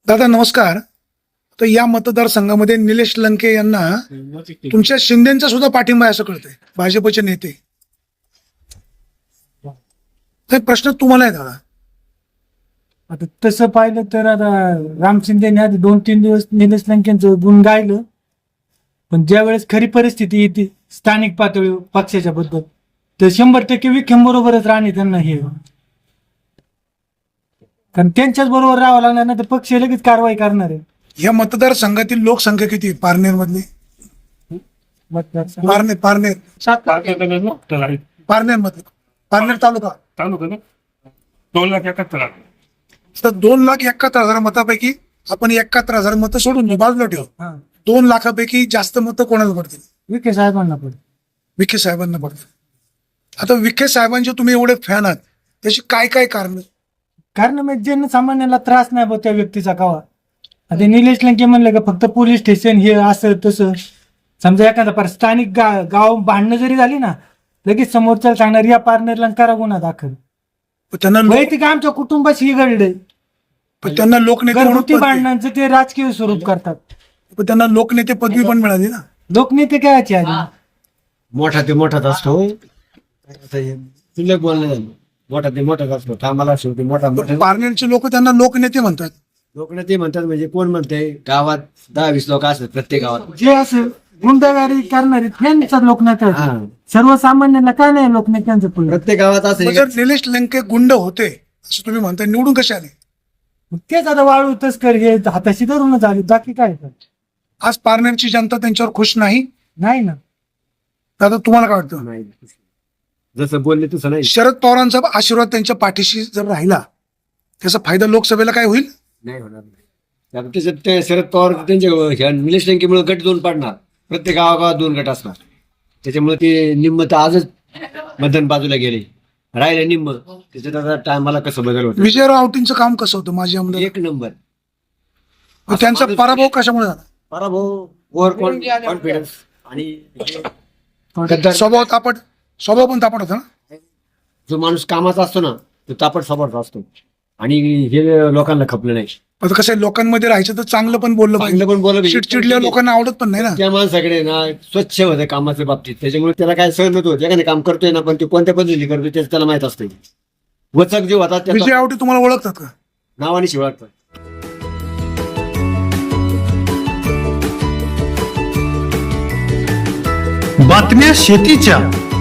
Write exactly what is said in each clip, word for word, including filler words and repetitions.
दादा नमस्कार. तर या मतदारसंघामध्ये निलेश लंके यांना तुमच्या शिंदेचा सुद्धा पाठिंबा आहे असं कळतंय, भाजपचे नेते. तर प्रश्न तुम्हाला आहे दादा. आता तसं पाहिलं तर आता राम शिंदेने आधी दोन तीन दिवस निलेश लंकेंचं गुण गायलं, पण ज्या वेळेस खरी परिस्थिती येते स्थानिक पातळीवर पक्षाच्या बद्दल तर शंभर टक्के विखेम बरोबरच राहणे त्यांना हे, कारण त्यांच्याच बरोबर राहावं लागणार नाही तर पक्ष लगेच कारवाई करणार आहे. या मतदारसंघातील लोकसंख्या किती आहे? पारनेर मधली मतदारसंघ पारनेर पारनेर पारनेर मधली पारनेर तालुका तालुका ना दोन लाख एकाहत्तर हजार. तर दोन लाख एकाहत्तर हजार मतापैकी आपण एकाहत्तर हजार मतं सोडून देऊ, बाजूला ठेवू. हा दोन लाखापैकी जास्त मतं कोणाला पडतील? विखे साहेबांना पण विखे साहेबांना पडतील. आता विखे साहेबांचे तुम्ही एवढे फॅन आहात, त्याची काय काय कारण? कारण मग जनसामान्याला त्रास नाही बघ त्या व्यक्तीचा कावा. आता निलेश लंके म्हणलं का फक्त पोलीस स्टेशन हे असं तसं, समजा एखादा पर स्थानिक गा गाव भांडणं जरी झाली ना लगेच समोरच्या सांगणार या पार्टनरला करा गुन्हा दाखल. पण त्यांना लोक- वैयक्तिक आमच्या कुटुंबाशी घडलंय. पण त्यांना लोकनेते म्हणून घरगुती पदवी- भांडणांचं ते राजकीय स्वरूप करतात. पण त्यांना लोकनेते पदवी पण मिळाली ना. लोकनेते काय याची आधी मोठा ते मोठाच असतो. तुला बोलणं मोठा ते मोठाच असतो. कामाला शेवटी मोठा मोठा. पारनेरचे लोक त्यांना लोकनेते म्हणतात. लोक ते म्हणतात म्हणजे कोण म्हणते गावात दहा वीस लोक असतात प्रत्येक गावात. जे असं गुंडगारी करणारे त्यांचा लोकनेते हा. सर्वसामान्यांना काय नाही लोकनेत्यांचं पुढे. प्रत्येक गावात असं पण जर निलेश लंके गुंड होते असं तुम्ही म्हणताय, निवडून कसे आले? तेच आता वाळू तस्कर हे हाताशी धरूनच आले, बाकी काय आज पारनेरची जनता त्यांच्यावर खुश नाही. नाही ना. दादा तुम्हाला काय वाटतं? नाही. जसं बोलले तसं नाही. शरद पवारांचा आशीर्वाद त्यांच्या पाठीशी जर राहिला त्याचा फायदा लोकसभेला काय होईल? नाही होणार नाही. आता त्याच्यात ते शरद पवार त्यांच्या ह्या निलेश लंकेमुळे गट दोन पाडणार. प्रत्येक गावागावात दोन गट असणार. त्याच्यामुळे ते निम्म तर आजच मतदान बाजूला गेले, राहिले निम्म. त्याच्यात आता टायमाला कसं बदल होतं. विजयराव आवटींचं काम कसं होतं माझे आमदार? एक नंबर. पण त्यांचा पराभव कशामुळे झाला? पराभव ओव्हर कॉन्फिडन्स आणि स्वभाव तापट, स्वभाव पण तापट होता ना. जो माणूस कामाचा असतो ना तो तापट स्वभावाचा असतो आणि हे लोकांना खपलं नाही. आता कसं आहे, लोकांमध्ये राहायचं तर चांगलं पण बोललं चांगलं पाहिजे. पण बोललं पाहिजे. चिडचिडल्या लोकांना आवडत पण नाही ना. त्या माणसाकडे ना स्वच्छ होतं कामाच्या बाबतीत. त्याच्यामुळे त्याला काय सहन होत एखादं काम करतोय ना पण ते कोणत्या पद्धतीने करतोय त्याचं त्याला माहित असतं. वचक जे होतात विजय त्या आवटी तुम्हाला ओळखतात का? नावाने शिवळतात. बातम्या शेतीच्या,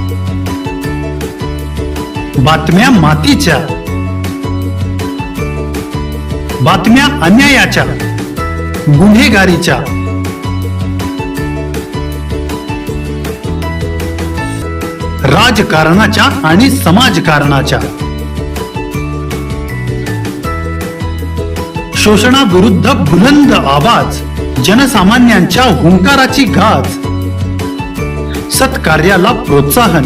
बातम्या मातीच्या, बातम्या अन्यायाच्या, गुन्हेगारीच्या, राजकारणाच्या आणि समाजकारणाच्या, शोषणाविरुद्ध बुलंद आवाज, जनसामान्यांच्या हुंकाराची गाज, सत्कार्याला प्रोत्साहन,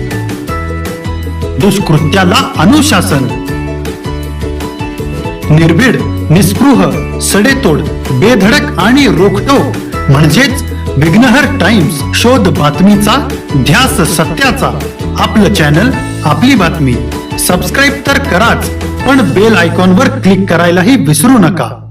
दुष्कृत्याला अनुशासन, निर्भीड, निस्पृह, सडेतोड, बेधडक आणि रोखटोक म्हणजेच विघ्नहर टाइम्स. शोध बातमीचा, ध्यास सत्याचा. आपलं चॅनल, आपली बातमी. सबस्क्राईब तर कराच, पण बेल आयकॉनवर क्लिक करायलाही विसरू नका.